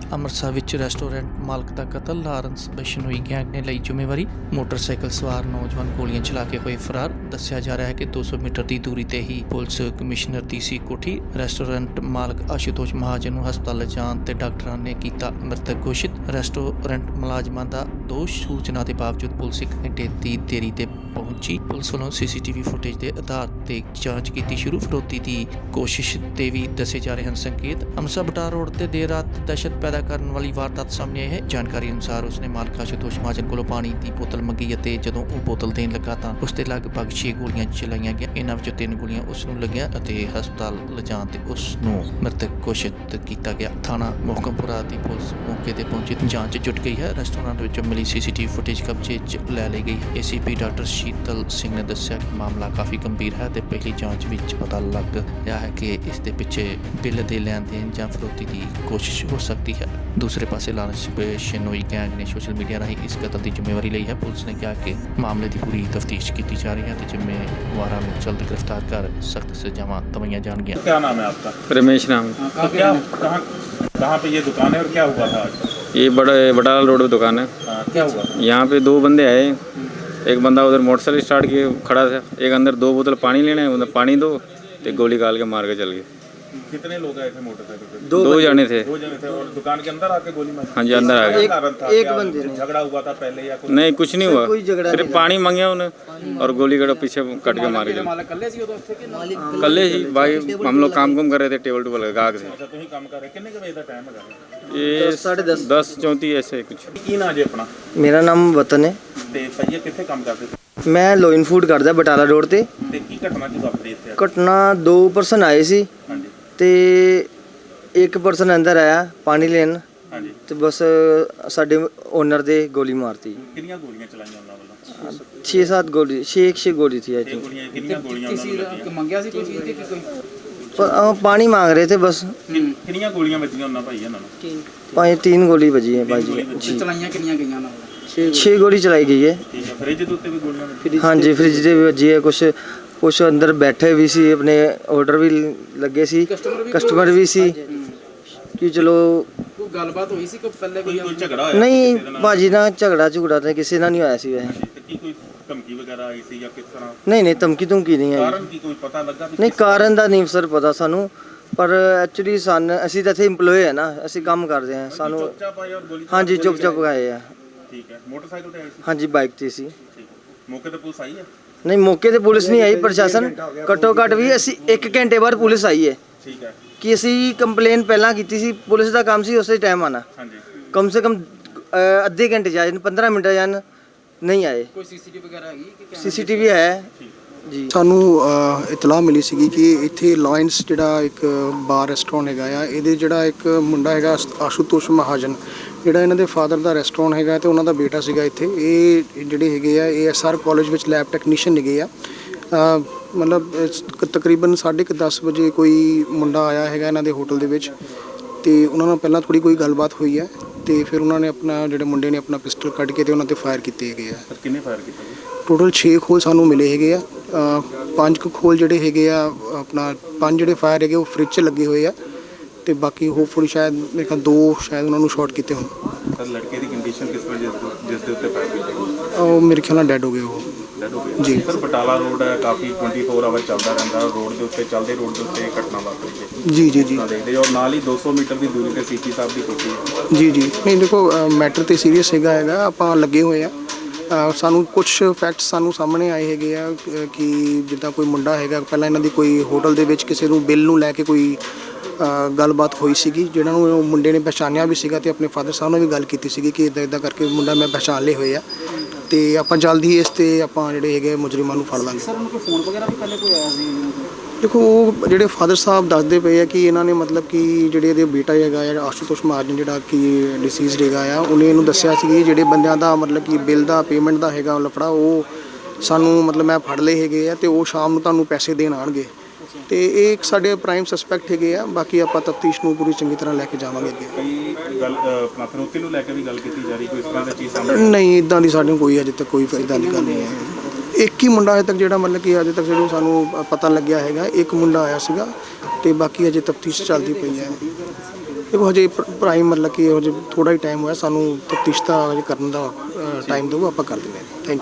ਅੰਮ੍ਰਿਤਸਰ ਵਿੱਚ ਰੈਸਟੋਰੈਂਟ ਮਾਲਕ ਦਾ ਕਤਲ। ਲਾਰੈਂਸ ਬਿਸ਼ਨੋਈ ਗੈਂਗ ਨੇ ਲਈ ਜ਼ਿੰਮੇਵਾਰੀ। ਮੋਟਰਸਾਈਕਲ ਸਵਾਰ ਨੌਜਵਾਨ ਗੋਲੀਆਂ ਚਲਾ ਕੇ ਹੋਏ ਫਰਾਰ। ਦੱਸਿਆ ਜਾ ਰਿਹਾ ਹੈ ਕਿ 200 ਮੀਟਰ ਦੀ ਦੂਰੀ ਤੇ ਹੀ ਪੁਲਿਸ ਕਮਿਸ਼ਨਰ ਦੀ ਸੀ ਕੋਠੀ। ਰੈਸਟੋਰੈਂਟ ਮਾਲਕ ਆਸ਼ੂਤੋਸ਼ ਮਹਾਜਨ ਨੂੰ ਹਸਪਤਾਲ ਲਿਜਾਣ ਤੇ ਡਾਕਟਰਾਂ ਨੇ ਕੀਤਾ ਮ੍ਰਿਤਕ ਘੋਸ਼ਿਤ। ਰੈਸਟੋਰੈਂਟ ਮੁਲਾਜ਼ਮਾਂ ਦਾ ਦੋਸ਼। ਸੂਚਨਾ ਦੇ ਬਾਵਜੂਦ ਪੁਲਿਸ 1 ਘੰਟੇ ਦੀ ਦੇਰੀ ਤੇ ਪਹੁੰਚੀ। ਪੁਲਿਸ ਵੱਲੋਂ ਸੀਸੀਟੀਵੀ ਫੁਟੇਜ ਦੇ ਆਧਾਰ ਤੇ ਜਾਂਚ ਕੀਤੀ ਸ਼ੁਰੂ। ਫਿਰੌਤੀ ਦੀ ਕੋਸ਼ਿਸ਼ ਤੇ ਵੀ ਦੱਸੇ ਜਾ ਰਹੇ ਹਨ ਸੰਕੇਤ। ਅੰਮ੍ਰਿਤਸਰ ਬਟਾਲਾ ਰੋਡ ਤੇ ਦੇਰ ਰਾਤ ਦਹਿਸ਼ਤ ਪੈਦਾ ਕਰਨ ਵਾਲੀ ਵਾਰਦਾਤ ਸਾਹਮਣੇ ਆਈ ਹੈ। ਜਾਣਕਾਰੀ ਅਨੁਸਾਰ ਉਸਨੇ ਮਾਲਕ ਆਸ਼ੂਤੋਸ਼ ਮਹਾਜਨ ਕੋਲੋਂ ਪਾਣੀ ਦੀ ਬੋਤਲ ਮੰਗੀ ਅਤੇ ਜਦੋਂ ਉਹ ਬੋਤਲ ਦੇਣ ਲੱਗਾ ਤਾਂ ਉਸ ਤੇ ਲਗਭਗ 6 ਗੋਲੀਆਂ ਚਲਾਈਆਂ ਗਈਆਂ। ਇਹਨਾਂ ਵਿੱਚੋਂ 3 ਗੋਲੀਆਂ ਉਸ ਨੂੰ ਲੱਗੀਆਂ ਅਤੇ ਹਸਪਤਾਲ ਲਿਜਾਣ ਤੇ ਉਸ ਨੂੰ ਮ੍ਰਿਤਕ ਘੋਸ਼ਿਤ ਕੀਤਾ ਗਿਆ। ਥਾਣਾ ਮੋਹਕਮਪੁਰਾ ਦੀ ਪੁਲਿਸ ਮੌਕੇ ਤੇ ਪਹੁੰਚੀ ਜਾਂਚ ਜੁਟ ਗਈ ਹੈ। ਰੈਸਟੋਰੈਂਟ ਵਿੱਚੋਂ ਮਿਲੀ ਸੀਸੀਟੀਵੀ ਫੁਟੇਜ ਕਬਜ਼ੇ 'ਚ ਲੈ ਲਈ ਗਈ। ਏਸੀਪੀ ਡਾਕਟਰ ਸ਼ੀਤਲ ਸਿੰਘ ਨੇ ਦੱਸਿਆ ਕਿ ਮਾਮਲਾ ਕਾਫੀ ਗੰਭੀਰ ਹੈ ਤੇ ਪਹਿਲੀ ਜਾਂਚ ਵਿੱਚ ਪਤਾ ਲੱਗ ਰਿਹਾ ਹੈ ਕਿ ਇਸ ਦੇ ਪਿੱਛੇ ਬਿੱਲ ਦੇ ਲੈਣ ਦੇਣ ਜਾਂ ਫਿਰੌਤੀ ਦੀ ਕੋਸ਼ਿਸ਼ ਹੋ ਸਕਦੀ ਹੈ। ਦੂਸਰੇ ਪਾਸੇ ਲਾਰੈਂਸ ਬਿਸ਼ਨੋਈ ਗੈਂਗ ਨੇ ਸੋਸ਼ਲ ਮੀਡੀਆ ਰਾਹੀਂ ਇਸ ਕਤਲ ਦੀ ਜ਼ਿੰਮੇਵਾਰੀ ਲਈ ਹੈ। ਪੁਲਿਸ ਨੇ ਕਿਹਾ ਕਿ ਮਾਮਲੇ ਦੀ ਪੂਰੀ ਤਫਤੀਸ਼ ਕੀਤੀ ਜਾ ਰਹੀ ਹੈ ਤੇ ਜ਼ਿੰਮੇਵਾਰਾਂ ਨੂੰ ਜਲਦ गिरफ्तार कर सख्त सजावां दवाइयां जाएंगी। क्या नाम है आपका? रमेश नाम। तो क्या कहाँ पे ये दुकान है और क्या हुआ था आज? ये बटाला रोड पे दुकान है। क्या हुआ? यहाँ पे 2 बंदे आए। एक बंदा उधर मोटरसाइकिल स्टार्ट किए खड़ा था, एक अंदर 2 बोतल पानी लेने, उधर पानी दो, तो गोली काल के मार के चल गए। कितने लोग आए थे मोटरसाइकिल पे? 2 जने थे। 2 जने थे और दुकान के अंदर आके गोली मारी? हाँ जी, अंदर आ गए। एक बंदे झगड़ा हुआ था पहले या कुछ? नहीं, कुछ नहीं हुआ, सिर्फ पानी मांगे उन्हें और गोली कटो पीछे कट के मारे। कल ही भाई हम लोग काम कर रहे थे, टेबल टूबल गाहक से। अच्छा, तुम काम कर रहे? कितने के बजे का टाइम है? ये 10:34 ऐसे कुछ। की ना जी अपना? ਮੇਰਾ ਨਾਮ ਵਤਨ ਹੈ। ਤੇ ਭਈਏ ਕਿੱਥੇ ਕੰਮ ਕਰਦੇ ਸੀ? ਮੈਂ ਲੋਇਨ ਫੂਡ ਕਰਦਾ ਬਟਾਲਾ ਰੋਡ ਤੇ। ਤੇ ਕੀ ਘਟਨਾ ਕੀ ਵਾਪਰੀ ਇੱਥੇ? ਘਟਨਾ 2 ਪਰਸਨ ਆਏ ਸੀ ਹਾਂਜੀ ਤੇ ਇੱਕ ਪਰਸਨ ਅੰਦਰ ਆਇਆ ਪਾਣੀ ਲੈਣ ਹਾਂਜੀ। ਤੇ ਬਸ ਸਾਡੇ ਓਨਰ ਦੇ ਗੋਲੀ ਮਾਰਤੀ। ਕਿੰਨੀਆਂ ਗੋਲੀਆਂ ਚਲਾਈਆਂ ਉਹਨਾਂ ਵੱਲੋਂ? 6-7 ਗੋਲੀ 6 ਗੋਲੀ ਸੀ ਆਈ ਥਿੰਕ। ਕਿੰਨੀਆਂ ਗੋਲੀਆਂ ਉਹਨਾਂ ਨੂੰ ਲੱਗੀਆਂ? ਮੰਗਿਆ ਸੀ ਕੋਈ ਚੀਜ਼ ਤੇ ਕੋਈ ਪਾਣੀ ਮੰਗ ਰਹੇ ਥੇ ਬਸ। ਕਿੰਨੀਆਂ ਗੋਲੀਆਂ ਵੱਜੀਆਂ ਉਹਨਾਂ ਭਾਈ ਇਹਨਾਂ ਨੂੰ? 3 ਗੋਲੀ ਵੱਜੀ ਹੈ ਭਾਈ ਜੀ। ਚਲਾਈਆਂ ਕਿੰਨੀਆਂ ਗਈਆਂ ਨਾਲ? 6 ਗੋਲੀ ਚਲਾਈ ਗਈ ਹੈ। ਠੀਕ ਹੈ। ਫ੍ਰਿਜ ਦੇ ਉੱਤੇ ਵੀ ਗੋਲੀਆਂ ਵੱਜੀਆਂ? ਹਾਂਜੀ, ਫ੍ਰਿਜ ਦੇ ਵੀ ਵੱਜੀ ਹੈ। ਕੁਛ ਅੰਦਰ ਬੈਠੇ ਵੀ ਸੀ, ਆਪਣੇ ਆਰਡਰ ਵੀ ਲੱਗੇ ਸੀ, ਕਸਟਮਰ ਵੀ ਸੀ ਕਿ ਚਲੋ। ਕੋਈ ਗੱਲਬਾਤ ਹੋਈ ਸੀ ਕੋਈ ਪਹਿਲੇ ਕੋਈ? ਕੋਈ ਝਗੜਾ ਹੋਇਆ? ਨਹੀਂ ਭਾਜੀ ਨਾਲ ਝਗੜਾ ਤਾਂ ਕਿਸੇ ਨਾਲ ਨਹੀਂ ਹੋਇਆ ਸੀ ਵੈਸੇ। ਤੇ ਕੀ ਕੋਈ ਧਮਕੀ ਵਗੈਰਾ ਆਈ ਸੀ ਜਾਂ ਕਿਸ ਤਰ੍ਹਾਂ? ਨਹੀਂ ਧਮਕੀ ਨਹੀਂ ਆਈ। ਕਾਰਨ ਕੀ ਕੋਈ ਪਤਾ ਲੱਗਾ? ਨਹੀਂ, ਕਾਰਨ ਦਾ ਨਹੀਂ ਸਰ ਪਤਾ ਸਾਨੂੰ, ਪਰ ਐਕਚੁਅਲੀ ਅਸੀਂ ਤਾਂ ਇੱਥੇ EMPLOYE ਹੈ ਨਾ, ਅਸੀਂ ਕੰਮ ਕਰਦੇ ਹਾਂ। ਸਾਨੂੰ ਚੁੱਪਚਾਪ ਆਏ ਔਰ ਗੋਲੀ? ਹਾਂਜੀ, ਚੁੱਪ ਆਏ ਆ। ਠੀਕ ਹੈ। ਮੋਟਰਸਾਈਕਲ ਤੇ ਆਏ ਸੀ? ਹਾਂਜੀ, ਬਾਈਕ ਤੇ ਸੀ। ਠੀਕ ਹੈ। ਮੌਕੇ ਤੇ ਪੁਲਿਸ ਆਈ ਹੈ? ਨਹੀਂ, ਮੌਕੇ ਤੇ ਪੁਲਿਸ ਨਹੀਂ ਆਈ। ਪ੍ਰਸ਼ਾਸਨ ਘੱਟੋ ਘੱਟ ਵੀ ਅਸੀਂ 1 ਘੰਟੇ ਬਾਅਦ ਪੁਲਿਸ ਆਈ ਹੈ ਠੀਕ ਹੈ। ਕਿ ਅਸੀਂ ਕੰਪਲੇਨ ਪਹਿਲਾਂ ਕੀਤੀ ਸੀ। ਪੁਲਿਸ ਦਾ ਕੰਮ ਸੀ ਉਸੇ ਟਾਈਮ ਆਣਾ। ਹਾਂਜੀ। ਕਮ ਸੇ ਕਮ ਅੱਧੇ ਘੰਟੇ ਜਾਣ, 15 ਮਿੰਟ ਜਾਣ, ਨਹੀਂ ਆਏ। ਕੋਈ ਸੀਸੀਟੀਵੀ ਵਗੈਰਾ ਹੈਗੀ ਕਿ CCTV ਹੈ ਜੀ। ਸਾਨੂੰ ਇਤਲਾਹ ਮਿਲੀ ਸੀਗੀ ਕਿ ਇੱਥੇ ਲਾਇਨਸ ਜਿਹੜਾ ਇੱਕ ਬਾਰ ਰੈਸਟੋਰੈਂਟ ਹੈਗਾ ਆ, ਇਹਦੇ ਜਿਹੜਾ ਇੱਕ ਮੁੰਡਾ ਹੈਗਾ ਆਸ਼ੂਤੋਸ਼ ਮਹਾਜਨ, ਜਿਹੜਾ ਇਹਨਾਂ ਦੇ ਫਾਦਰ ਦਾ ਰੈਸਟੋਰੈਂਟ ਹੈਗਾ ਤੇ ਉਹਨਾਂ ਦਾ ਬੇਟਾ ਸੀਗਾ ਇੱਥੇ। ਇਹ ਜਿਹੜੇ ਹੈਗੇ ਆ ASR ਕਾਲਜ ਵਿੱਚ ਲੈਬ ਟੈਕਨੀਸ਼ੀਅਨ ਹੈਗੇ ਆ। ਮਤਲਬ ਤਕਰੀਬਨ 10:30 ਵਜੇ ਕੋਈ ਮੁੰਡਾ ਆਇਆ ਹੈਗਾ ਇਹਨਾਂ ਦੇ ਹੋਟਲ ਦੇ ਵਿੱਚ ਤੇ ਉਹਨਾਂ ਨਾਲ ਪਹਿਲਾਂ ਥੋੜੀ ਕੋਈ ਗੱਲਬਾਤ ਹੋਈ ਹੈ ਤੇ ਫਿਰ ਉਹਨਾਂ ਨੇ ਆਪਣਾ ਜਿਹੜੇ ਮੁੰਡੇ ਨੇ ਆਪਣਾ ਪਿਸਟਲ ਕੱਢ ਕੇ ਤੇ ਉਹਨਾਂ ਤੇ ਫਾਇਰ ਕੀਤੇ ਹੈਗੇ ਆ। ਕਿੰਨੇ ਫਾਇਰ ਕੀਤੇ? ਟੋਟਲ 6 ਖੋਲ ਸਾਨੂੰ ਮਿਲੇ ਹੈਗੇ ਆ। 5 ਖੋਲ ਜਿਹੜੇ ਹੈਗੇ ਆ ਆਪਣਾ 5 ਜਿਹੜੇ ਫਾਇਰ ਹੈਗੇ ਉਹ ਫ੍ਰਿਜ 'ਚ ਲੱਗੇ ਹੋਏ ਆ ਤੇ ਬਾਕੀ ਹੋਪਫੁਲੀ ਸ਼ਾਇਦ ਮੇਰੇ ਖਿਆਲ 2 ਸ਼ਾਇਦ ਉਹਨਾਂ ਨੂੰ ਸ਼ਾਰਟ ਕੀਤੇ ਹੋਣ। ਸਰ ਲੜਕੇ ਦੀ ਕੰਡੀਸ਼ਨ ਕਿਸ ਵਜ੍ਹਾ ਜਿਸ ਦੇ ਉੱਤੇ ਫਾਇਰ ਕੀਤੇ? ਉਹ ਮੇਰੇ ਖਿਆਲ ਨਾਲ ਡੈਡ ਹੋ ਗਏ ਉਹ। ਡੈਡ ਹੋ ਗਏ ਜੀ। ਸਰ ਬਟਾਲਾ ਰੋਡ ਹੈ, ਕਾਫੀ 24 ਆਵਰ ਚੱਲਦਾ ਰਹਿੰਦਾ। ਰੋਡ ਦੇ ਉੱਤੇ ਚੱਲਦੇ ਰੋਡ ਦੇ ਉੱਤੇ ਘਟਨਾ ਵਾਪਰੀ ਹੈ। ਜੀ ਦੇਖਦੇ ਔਰ ਨਾਲ ਹੀ 200 ਮੀਟਰ ਦੀ ਦੂਰੀ ਤੇ CP ਸਾਹਿਬ ਦੀ ਕੋਠੀ ਹੈ। ਜੀ ਨਹੀਂ ਦੇਖੋ, ਮੈਟਰ ਤੇ ਸੀਰੀਅਸ ਹੈਗਾ ਆਪਾਂ ਲੱਗੇ ਹੋਏ ਆ। ਸਾਨੂੰ ਕੁਝ ਫੈਕਟਸ ਸਾਨੂੰ ਸਾਹਮਣੇ ਆਏ ਹੈਗੇ ਆ ਕਿ ਜਿੱਦਾਂ ਕੋਈ ਮੁੰਡਾ ਹੈਗਾ ਪਹਿਲਾਂ ਇਹਨਾਂ ਦੀ ਕੋਈ ਹੋਟਲ ਦੇ ਵਿੱਚ ਕਿਸੇ ਨੂੰ ਬਿੱਲ ਨੂੰ ਲੈ ਕੇ ਕੋਈ ਗੱਲਬਾਤ ਹੋਈ ਸੀਗੀ, ਜਿਹਨਾਂ ਨੂੰ ਉਹ ਮੁੰਡੇ ਨੇ ਪਛਾਣਿਆ ਵੀ ਸੀਗਾ ਤੇ ਆਪਣੇ ਫਾਦਰ ਸਾਹਿਬ ਨਾਲ ਵੀ ਗੱਲ ਕੀਤੀ ਸੀਗੀ ਕਿ ਇੱਦਾਂ ਕਰਕੇ ਮੁੰਡਾ ਮੈਂ ਪਛਾਣ ਲਏ ਹੋਏ ਆ ਤੇ ਆਪਾਂ ਜਲਦੀ ਇਸ ਤੇ ਆਪਾਂ ਜਿਹੜੇ ਹੈਗੇ ਮੁਜਰਮਾਂ ਨੂੰ ਫੜ ਲਾਂਗੇ। ਸਰ ਉਹਨੂੰ ਕੋਈ ਫੋਨ ਵਗੈਰਾ ਵੀ ਪਹਿਲੇ ਕੋਈ ਆਇਆ ਸੀ? ਦੇਖੋ, ਉਹ ਜਿਹੜੇ ਫਾਦਰ ਸਾਹਿਬ ਦੱਸਦੇ ਪਏ ਆ ਕਿ ਇਹਨਾਂ ਨੇ ਮਤਲਬ ਕਿ ਜਿਹੜੇ ਇਹਦੇ ਬੇਟਾ ਹੈਗਾ ਆ ਆਸ਼ੂਤੋਸ਼ ਮਹਾਜਨ ਜਿਹੜਾ ਕਿ ਡਿਸੀਜ਼ਡ ਹੈਗਾ ਆ, ਉਹਨੇ ਇਹਨੂੰ ਦੱਸਿਆ ਸੀ ਕਿ ਜਿਹੜੇ ਬੰਦਿਆਂ ਦਾ ਮਤਲਬ ਕਿ ਬਿੱਲ ਦਾ ਪੇਮੈਂਟ ਦਾ ਹੈਗਾ ਲਫੜਾ, ਉਹ ਸਾਨੂੰ ਮਤਲਬ ਮੈਂ ਫੜ ਲਏ ਹੈਗੇ ਆ ਤੇ ਉਹ ਸ਼ਾਮ ਨੂੰ ਤੁਹਾਨੂੰ ਪੈਸੇ ਦੇਣ ਆਉਣਗੇ ਤੇ ਇਹ ਇੱਕ ਸਾਡੇ ਪ੍ਰਾਈਮ ਸਸਪੈਕਟ ਹੈਗੇ ਆ। ਬਾਕੀ ਆਪਾਂ ਤਫਤੀਸ਼ ਨੂੰ ਪੂਰੀ ਚੰਗੀ ਤਰ੍ਹਾਂ ਲੈ ਕੇ ਜਾਵਾਂਗੇ ਅੱਗੇ। ਕਈ ਗੱਲ ਆਪਣਾ ਫਿਰੌਤੀ ਨੂੰ ਲੈ ਕੇ ਵੀ ਗੱਲ ਕੀਤੀ ਜਾ ਰਹੀ, ਕੋਈ ਇਸ ਤਰ੍ਹਾਂ ਦੀ ਚੀਜ਼ ਸਾਹਮਣੇ? ਨਹੀਂ, ਇੱਦਾਂ ਦੀ ਸਾਡੇ ਕੋਈ ਅਜੇ ਤੱਕ ਕੋਈ ਇੱਦਾਂ ਦੀ ਗੱਲ ਨਹੀਂ ਹੈ। ਇੱਕ ਹੀ ਮੁੰਡਾ ਅਜੇ ਤੱਕ ਜਿਹੜਾ ਮਤਲਬ ਕਿ ਅਜੇ ਤੱਕ ਜਿਹਨੂੰ ਸਾਨੂੰ ਪਤਾ ਲੱਗਿਆ ਹੈਗਾ, ਇੱਕ ਮੁੰਡਾ ਆਇਆ ਸੀਗਾ ਤੇ ਬਾਕੀ ਅਜੇ ਤਫਤੀਸ਼ ਚੱਲਦੀ ਪਈ ਹੈ। ਦੇਖੋ ਹਜੇ ਪ੍ਰਾਈਮ ਮਤਲਬ ਕਿ ਹਜੇ ਥੋੜਾ ਹੀ ਟਾਈਮ ਹੋਇਆ, ਸਾਨੂੰ ਤਫਤੀਸ਼ ਦਾ ਹਜੇ ਕਰਨ ਦਾ ਟਾਈਮ ਦਿਓ, ਆਪਾਂ ਕਰ ਦਿੰਦੇ ਹਾਂ। ਥੈਂਕ